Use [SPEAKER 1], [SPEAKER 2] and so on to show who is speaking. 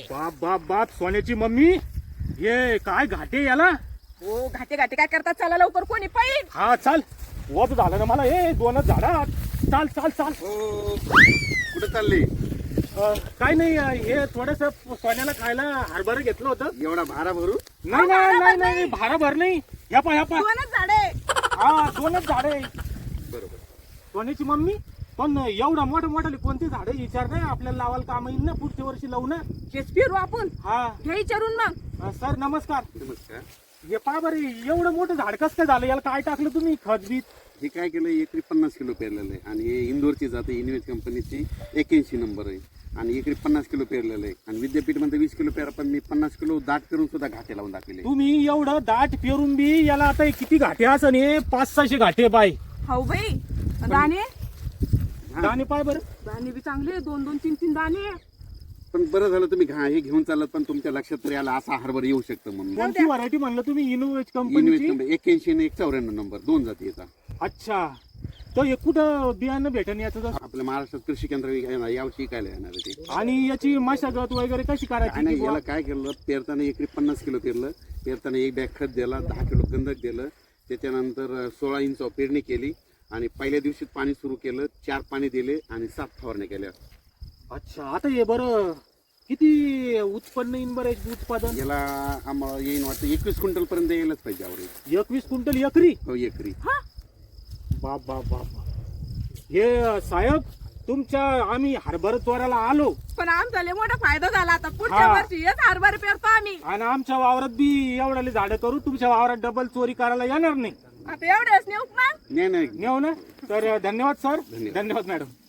[SPEAKER 1] बाप बाप बाप सोन्याची मम्मी, हे काय घाटे याला.
[SPEAKER 2] हो घाटे घाटे काय करतात, चला लवकर कोणी पाहिजे.
[SPEAKER 1] हा चाल, वप झालं ना मला. हे दोनच झाडात. चाल चाल चाल.
[SPEAKER 3] हो कुठे चालले?
[SPEAKER 1] काय नाही, हे थोडस सोन्याला खायला हरभरा घेतलं होतं.
[SPEAKER 3] एवढा भारा भरू?
[SPEAKER 1] नाही नाही नाही नाही, भारा भर नाही. ह्या पा ह्या पा.
[SPEAKER 2] दोनच झाडे.
[SPEAKER 1] हा दोनच झाडे.
[SPEAKER 3] बरोबर.
[SPEAKER 1] सोन्याची मम्मी, पण एवढा मोठा मोठाले कोणते झाडे विचार नाही, आपल्याला लावायला काम येईल ना, पुढच्या वर्षी लावू ना.
[SPEAKER 2] हेच फिरू आपण.
[SPEAKER 1] हा
[SPEAKER 2] हे विचारून मग.
[SPEAKER 1] सर नमस्कार.
[SPEAKER 3] नमस्कार.
[SPEAKER 1] हे पहा बरे, एवढं मोठं झाड कसं काय झालं, याला काय टाकलं तुम्ही, खत बीत?
[SPEAKER 3] हे काय केलं, एकरी 50 किलो पेरलेलं आहे आणि हे इंदोरची जाते, इन्व्हेस्ट कंपनीची 81 नंबर आहे आणि एकरी 50 किलो पेरलेलं आहे आणि विद्यापीठ मध्ये 20 किलो पेरा, पण मी 50 किलो दाट करून सुद्धा घाटे लावून दाखवले.
[SPEAKER 1] तुम्ही एवढं दाट पेरून बी याला आता किती घाटे असं, हे 500-600 घाटे बाय.
[SPEAKER 2] हो बाई. दाणे
[SPEAKER 1] दाणे पाय बरं.
[SPEAKER 2] दाणे बी चांगले, 2-2, 3-3 दाणे.
[SPEAKER 3] पण बरं झालं तुम्ही हे घेऊन चालत, पण तुमच्या लक्षात तरी आला असा हरभरा येऊ शकतं म्हणून.
[SPEAKER 1] कोणती व्हरायटी म्हणलं तुम्ही? इनोवेज
[SPEAKER 3] इन्व्हेस्ट
[SPEAKER 1] कंपनीची.
[SPEAKER 3] कंपनी 81 आणि 194 नंबर, 2 जाती येतात.
[SPEAKER 1] अच्छा, तर हे कुठं बियाणं भेटन याचं?
[SPEAKER 3] आपल्या महाराष्ट्रात कृषी केंद्र यावर्षी शिकायला येणार आहे ते.
[SPEAKER 1] आणि याची मशागत वगैरे कशी करायची?
[SPEAKER 3] आणि याला काय केलं, पेरताना एकरी 50 किलो पेरलं, पेरताना 1 बॅग खत दिला, 10 किलो गंधक दिलं, त्याच्यानंतर 16 इंच पेरणी केली आणि पहिल्या दिवशी पाणी सुरू केलं, 4 पाणी दिले आणि 7 फवारण्या केल्या.
[SPEAKER 1] अच्छा, आता हे बरं किती उत्पन्न येईन बरं याचं उत्पादन?
[SPEAKER 3] याला आम्हाला येईन वाटतं 21 क्विंटल पर्यंत यायलाच पाहिजे आवडेल.
[SPEAKER 1] 21 क्विंटल एकरी?
[SPEAKER 3] हो एकरी.
[SPEAKER 1] बाप बाप बाप. हे साहेब, तुमच्या आम्ही हरभरा चोराला आलो
[SPEAKER 2] पण आमचा लय मोठा फायदा झाला. आता पुढच्या
[SPEAKER 1] हा.
[SPEAKER 2] वर्षी हेच हरभरे पेरतो आम्ही.
[SPEAKER 1] आणि आमच्या वावरात बी एवढ्याले झाडं करू, तुमच्या वावरात डबल चोरी करायला येणार नाही.
[SPEAKER 2] आता एवढेच नेऊ मग.
[SPEAKER 3] नाही नाही
[SPEAKER 1] नेऊ ना. तर धन्यवाद सर.
[SPEAKER 3] धन्यवाद.
[SPEAKER 1] धन्यवाद मॅडम.